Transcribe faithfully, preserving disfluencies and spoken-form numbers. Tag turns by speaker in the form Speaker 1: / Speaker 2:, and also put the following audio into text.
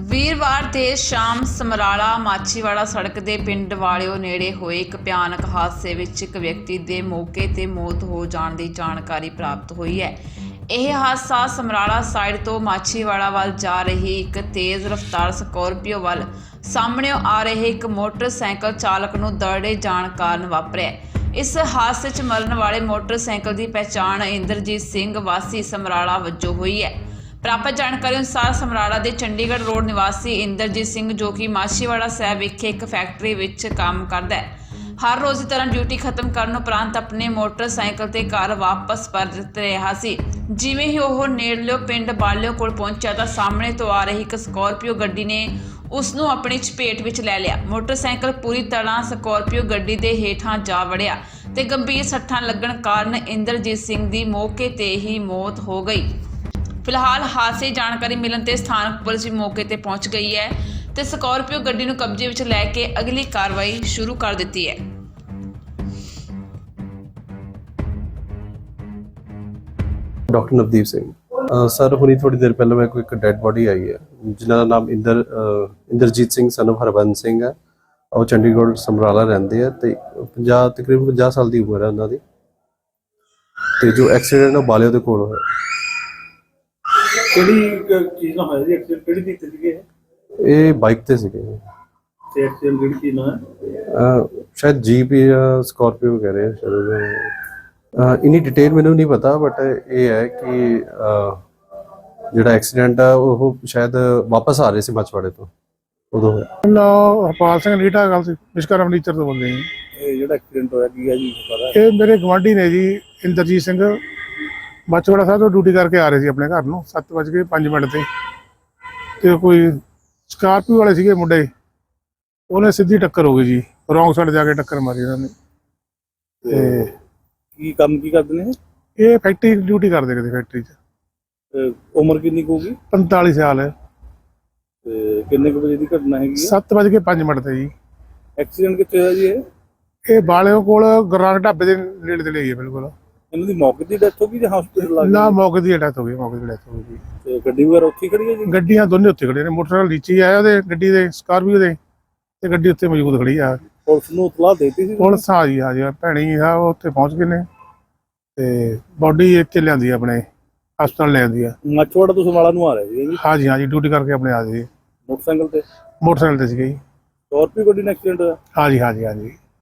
Speaker 1: ਵੀਰਵਾਰ ਦੇਰ ਸ਼ਾਮ ਸਮਰਾਲਾ ਮਾਛੀਵਾੜਾ ਸੜਕ ਦੇ ਪਿੰਡ ਵਾਲਿਓ ਨੇੜੇ ਹੋਏ ਇੱਕ ਭਿਆਨਕ ਹਾਦਸੇ ਵਿੱਚ ਇੱਕ ਵਿਅਕਤੀ ਦੇ ਮੌਕੇ ਤੇ ਮੌਤ ਹੋ ਜਾਣ ਦੀ ਜਾਣਕਾਰੀ ਪ੍ਰਾਪਤ ਹੋਈ ਹੈ। ਇਹ ਹਾਦਸਾ ਸਮਰਾਲਾ ਸਾਈਡ ਤੋਂ ਮਾਛੀਵਾੜਾ ਵੱਲ ਜਾ ਰਹੀ ਇੱਕ ਤੇਜ਼ ਰਫ਼ਤਾਰ ਸਕੋਰਪੀਓ ਵੱਲ ਸਾਹਮਣੇ ਆ ਰਹੇ ਇੱਕ ਮੋਟਰਸਾਈਕਲ ਚਾਲਕ ਨੂੰ ਦਰੜੇ ਜਾਣ ਕਾਰਨ ਵਾਪਰਿਆ। ਇਸ ਹਾਦਸੇ 'ਚ ਮਰਨ ਵਾਲੇ ਮੋਟਰਸਾਈਕਲ ਦੀ ਪਹਿਚਾਣ ਇੰਦਰਜੀਤ ਸਿੰਘ ਵਾਸੀ ਸਮਰਾਲਾ ਵਜੋਂ ਹੋਈ ਹੈ। ਪ੍ਰਾਪਤ ਜਾਣਕਾਰੀ ਅਨੁਸਾਰ ਸਮਰਾਲਾ ਦੇ ਚੰਡੀਗੜ੍ਹ ਰੋਡ ਨਿਵਾਸੀ ਇੰਦਰਜੀਤ ਸਿੰਘ ਜੋ ਕਿ ਮਾਛੀਵਾੜਾ ਸਾਹਿਬ ਵਿਖੇ ਇੱਕ ਫੈਕਟਰੀ ਵਿੱਚ ਕੰਮ ਕਰਦਾ ਹੈ, ਹਰ ਰੋਜ਼ ਦੀ ਤਰ੍ਹਾਂ ਡਿਊਟੀ ਖਤਮ ਕਰਨ ਉਪਰੰਤ ਆਪਣੇ ਮੋਟਰਸਾਈਕਲ ਤੇ ਘਰ ਵਾਪਸ ਪਰਤ ਰਿਹਾ ਸੀ। ਜਿਵੇਂ ਹੀ ਉਹ ਨੇੜਲੇ ਪਿੰਡ ਬਾਲਿਓ ਕੋਲ ਪਹੁੰਚਿਆ ਤਾਂ ਸਾਹਮਣੇ ਤੋਂ ਆ ਰਹੀ ਇੱਕ ਸਕੋਰਪੀਓ ਗੱਡੀ ਨੇ ਉਸ ਨੂੰ ਆਪਣੀ ਚਪੇਟ ਵਿੱਚ ਲੈ ਲਿਆ। ਮੋਟਰਸਾਈਕਲ ਪੂਰੀ ਤਰ੍ਹਾਂ ਸਕੋਰਪੀਓ ਗੱਡੀ ਦੇ ਹੇਠਾਂ ਜਾ ਵੜਿਆ ਤੇ ਗੰਭੀਰ ਸੱਟਾਂ ਲੱਗਣ ਕਾਰਨ ਇੰਦਰਜੀਤ ਸਿੰਘ ਦੀ ਮੌਕੇ ਤੇ ਹੀ ਮੌਤ ਹੋ ਗਈ। ਫਿਲਹਾਲ ਹਾਦਸੇ ਦੀ ਜਾਣਕਾਰੀ ਮਿਲਣ ਤੇ ਸਥਾਨਕ ਪੁਲਿਸ ਵੀ ਮੌਕੇ ਤੇ ਪਹੁੰਚ ਗਈ ਹੈ ਤੇ ਸਕੋਰਪੀਓ ਗੱਡੀ ਨੂੰ ਕਬਜ਼ੇ ਵਿੱਚ ਲੈ ਕੇ ਅਗਲੀ ਕਾਰਵਾਈ ਸ਼ੁਰੂ ਕਰ ਦਿੱਤੀ ਹੈ।
Speaker 2: ਡਾਕਟਰ ਨਵਦੀਪ ਸਿੰਘ ਸਰ ਹੁਣੀ ਥੋੜੀ ਦੇਰ ਪਹਿਲਾਂ ਮੇਰੇ ਕੋਲ ਇੱਕ ਡੈਡ ਬੋਡੀ ਆਈ ਹੈ ਜਿਨ੍ਹਾਂ ਦਾ ਨਾਮ ਇੰਦਰ ਇੰਦਰਜੀਤ ਸਿੰਘ ਸਨ ਆਫ ਹਰਬੰਸ ਸਿੰਘ ਹੈ। ਉਹ ਚੰਡੀਗੜ੍ਹ ਸਮਰਾਲਾ ਰਹਿੰਦੇ ਆ ਤੇ ਪੰਜਾਹ ਤਕਰੀਬਨ ਪੰਜਾਹ ਸਾਲ ਦੀ ਉਮਰ ਹੈ ਉਹਨਾਂ ਦੀ ਤੇ ਜੋ ਐਕਸੀਡੈਂਟ ਉਹ ਬਾਲਿਓ ਦੇ ਕੋਲ ਹੋਇਆ।
Speaker 3: ਕਿਹੜੀ ਚੀਜ਼ ਨਾਲ ਹੋਇਆ ਜੀ ਐਕਸੀਡੈਂਟ? ਕਿਹੜੀ ਦਿੱਤੀ ਸੀਗੇ
Speaker 2: ਇਹ ਬਾਈਕ ਤੇ ਸੀਗੇ
Speaker 3: ਤੇ ਐਕਸੀਡੈਂਟ ਕਿਹੜੀ ਚੀਜ਼ ਨਾਲ ਹੈ?
Speaker 2: ਸ਼ਾਇਦ ਜੀਪ ਜਾਂ ਸਕਾਰਪੀਓ ਕਹਿ ਰਹੇ ਸ਼ਾਇਦ, ਇਨੀ ਡਿਟੇਲ ਮੈਨੂੰ ਨਹੀਂ ਪਤਾ ਬਟ ਇਹ ਹੈ ਕਿ ਜਿਹੜਾ ਐਕਸੀਡੈਂਟ ਆ ਉਹ ਸ਼ਾਇਦ ਵਾਪਸ ਆ ਰਹੇ ਸੀ ਮਛਵਾੜੇ ਤੋਂ ਉਦੋਂ ਹੋਇਆ।
Speaker 4: ਨਾ ਹਰਪਾਲ ਸਿੰਘ ਲੀਟਾ ਗੱਲ ਸੀ ਵਿਸ਼ਕਰਮ ਨੀਚਰ ਤੋਂ ਬੋਲਦੇ ਜੀ।
Speaker 3: ਇਹ ਜਿਹੜਾ ਐਕਸੀਡੈਂਟ ਹੋਇਆ ਕੀ ਹੈ ਜੀ ਪਤਾ?
Speaker 4: ਇਹ ਮੇਰੇ ਗਵਾਂਢੀ ਨੇ ਜੀ ਇੰਦਰਜੀਤ ਸਿੰਘ, ਮਾਛੀਵਾੜਾ ਸਾਹਿਬ ਤੋਂ ਡਿਊਟੀ ਕਰਕੇ ਆ ਰਹੇ ਸੀ ਆਪਣੇ ਘਰ ਨੂੰ ਸੱਤ ਵੱਜ ਕੇ ਪੰਜ ਮਿੰਟ ਤੇ ਤੇ ਕੋਈ ਸਕਾਰਪੀਓ ਵਾਲੇ ਸੀਗੇ ਮੁੰਡੇ, ਉਹਨੇ ਸਿੱਧੀ ਟੱਕਰ ਹੋ ਗਈ ਜੀ, ਰੌਂਗ ਸਾਈਡ ਜਾ ਕੇ ਟੱਕਰ ਮਾਰੀ ਉਹਨਾਂ ਨੇ। ਤੇ
Speaker 3: ਕੀ ਕੰਮ ਕੀ ਕਰਦੇ ਨੇ
Speaker 4: ਇਹ ਫੈਕਟਰੀ ਡਿਊਟੀ ਕਰਦੇ ਕਿਤੇ ਫੈਕਟਰੀ 'ਚ।
Speaker 3: ਇਹ? ਉਮਰ ਕਿੰਨੀ ਕੁ ਹੋਊਗੀ?
Speaker 4: ਪੰਤਾਲੀ ਸਾਲ ਹੈ।
Speaker 3: ਤੇ ਕਿੰਨੇ ਕੁ ਵਜੇ ਦੀ ਘਟਨਾ ਹੈਗੀ ਹੈ?
Speaker 4: ਸੱਤ ਵੱਜ ਕੇ ਪੰਜ ਮਿੰਟ ਤੇ ਜੀ।
Speaker 3: ਐਕਸੀਡੈਂਟ ਕਿੱਥੇ ਹੋਇਆ ਜੀ? ਇਹ
Speaker 4: ਇਹ ਬਾਲਿਓ ਕੋਲ ਗੁਰਨਾਨਕ ਢਾਬੇ ਦੇ ਨੇੜੇ ਤੇ ਲਈ ਹੈ ਬਿਲਕੁਲ।
Speaker 3: ਇਹਨਾਂ ਦੀ ਮੌਕੇ ਦੀ ਡੈਥ ਹੋ ਗਈ ਜਾਂ ਹਸਪੀਟਲ ਲੱਗ
Speaker 4: ਨਾ ਮੌਕੇ ਦੀ ਡੈਥ ਹੋ ਗਈ, ਮੌਕੇ ਦੀ ਡੈਥ ਹੋ ਗਈ।
Speaker 3: ਤੇ ਗੱਡੀ ਵਗੈਰਾ ਉੱਥੇ ਖੜੀ ਹੈ ਜੀ?
Speaker 4: ਗੱਡੀਆਂ ਦੋਨੇ ਉੱਥੇ ਖੜੀਆਂ ਨੇ, ਮੋਟਰਸਾਈਕਲ ਨੀਚੇ ਆਇਆ ਉਹਦੇ ਗੱਡੀ ਦੇ ਸਕਾਰਪੀਓ ਦੇ ਤੇ ਗੱਡੀ ਉੱਥੇ ਮੌਜੂਦ ਖੜੀ ਆ।
Speaker 3: ਪੁਲਿਸ ਨੂੰ ਇਤਲਾਹ ਦੇਤੀ ਸੀ?
Speaker 4: ਪੁਲਿਸ ਆ ਜੀ, ਆ ਜੀ ਭੈਣੀ ਆ ਉਹ ਉੱਥੇ ਪਹੁੰਚ ਗਏ ਨੇ ਤੇ ਬੋਡੀ ਇੱਥੇ ਲਿਆਂਦੀ ਆਪਣੇ ਹਸਪਤਾਲ ਲਿਆਂਦੀ ਆ।
Speaker 3: ਮਾਛੀਵਾੜਾ ਤੋਂ ਸਮਰਾਲਾ ਨੂੰ ਆ ਰਹੇ ਸੀ ਜੀ?
Speaker 4: ਹਾਂ ਜੀ ਹਾਂ ਜੀ, ਡਿਊਟੀ ਕਰਕੇ ਆਪਣੇ ਆ ਜੀ।
Speaker 3: ਮੋਟਰਸਾਈਕਲ ਤੇ?
Speaker 4: ਮੋਟਰਸਾਈਕਲ ਤੇ ਸੀਗੇ ਜੀ।
Speaker 3: ਸਕਾਰਪੀਓ ਗੱਡੀ ਨਾਲ ਐਕਸੀਡੈਂਟ ਹੋਇਆ?
Speaker 4: ਹਾਂ ਜੀ ਹਾਂ ਜੀ ਹਾਂ ਜੀ।